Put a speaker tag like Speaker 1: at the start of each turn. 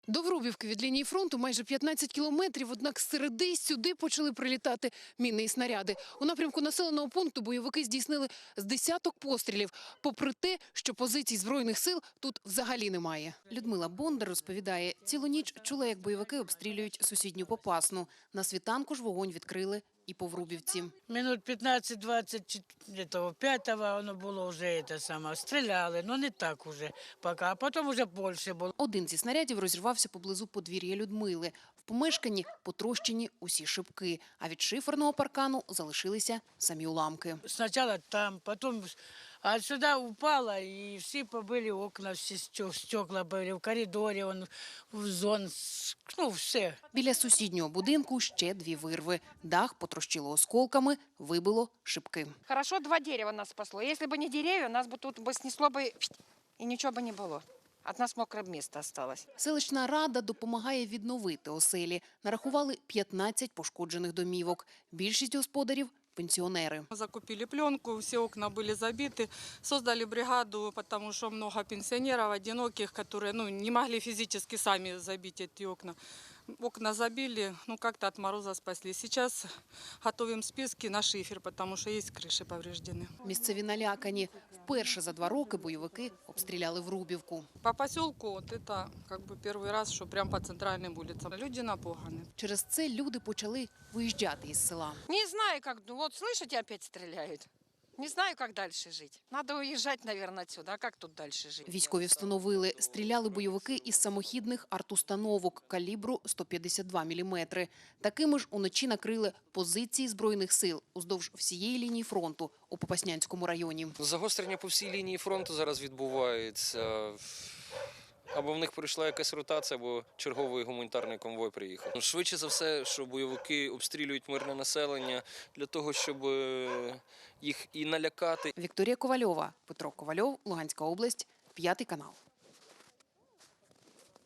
Speaker 1: До Врубівки від лінії фронту майже 15 кілометрів, однак середи сюди почали прилітати міни і снаряди. У напрямку населеного пункту бойовики здійснили з десяток пострілів, попри те, що позицій Збройних сил тут взагалі немає. Людмила Бондар розповідає, цілу ніч чула, як бойовики обстрілюють сусідню Попасну. На світанку ж вогонь відкрили і по Врубівці.
Speaker 2: Минут 15-20, где-то 5-го воно було вже стріляли, але не так уже поки, а потім вже більше було.
Speaker 1: Один зі снарядів розірвався поблизу подвір'я Людмили. В помешканні потрощені усі шибки, а від шиферного паркану залишилися самі уламки.
Speaker 2: Спочатку там, потім а сюди упало, і всі побили окна, всі стекла були, в коридорі, в зон, ну все.
Speaker 1: Біля сусіднього будинку ще дві вирви. Дах потрощило осколками, вибило шибки.
Speaker 3: Хорошо, 2 дерева нас спасло. Если бы не деревья, нас бы тут бы снесло бы и ничего бы не было. От нас мокре місце осталось.
Speaker 1: Селищна рада допомагає відновити оселі. Нарахували 15 пошкоджених домівок. Більшість господарів – пенсіонери.
Speaker 4: Мы закупили пленку, все окна были забиты, создали бригаду, потому что много пенсионеров, одиноких, которые не могли физически сами забить эти окна. Окна забили, как-то от мороза спасли. Сейчас готовим списки на шифер, потому что есть крыши повреждены.
Speaker 1: Місцеві налякані. Вперше за 2 роки бойовики обстріляли Врубівку.
Speaker 4: По поселку это первый раз, что прям по центральным улицам. Люди напуганы.
Speaker 1: Через це люди почали виїжджати із села.
Speaker 3: Не знаю, как, вот слышите, опять стреляют. Не знаю, как дальше жить. Надо уезжать, наверное, отсюда. А как тут дальше жить?
Speaker 1: Військові встановили, стріляли бойовики із самохідних артустановок калібру 152 мм. Такими ж уночі накрили позиції Збройних сил уздовж всієї лінії фронту у Попаснянському районі.
Speaker 5: Загострення по всій лінії фронту зараз відбувається. Або в них пройшла якась ротація, або черговий гуманітарний конвой приїхав. Швидше за все, що бойовики обстрілюють мирне населення для того, щоб їх і налякати.
Speaker 1: Вікторія Ковальова, Петро Ковальов, Луганська область, 5 канал.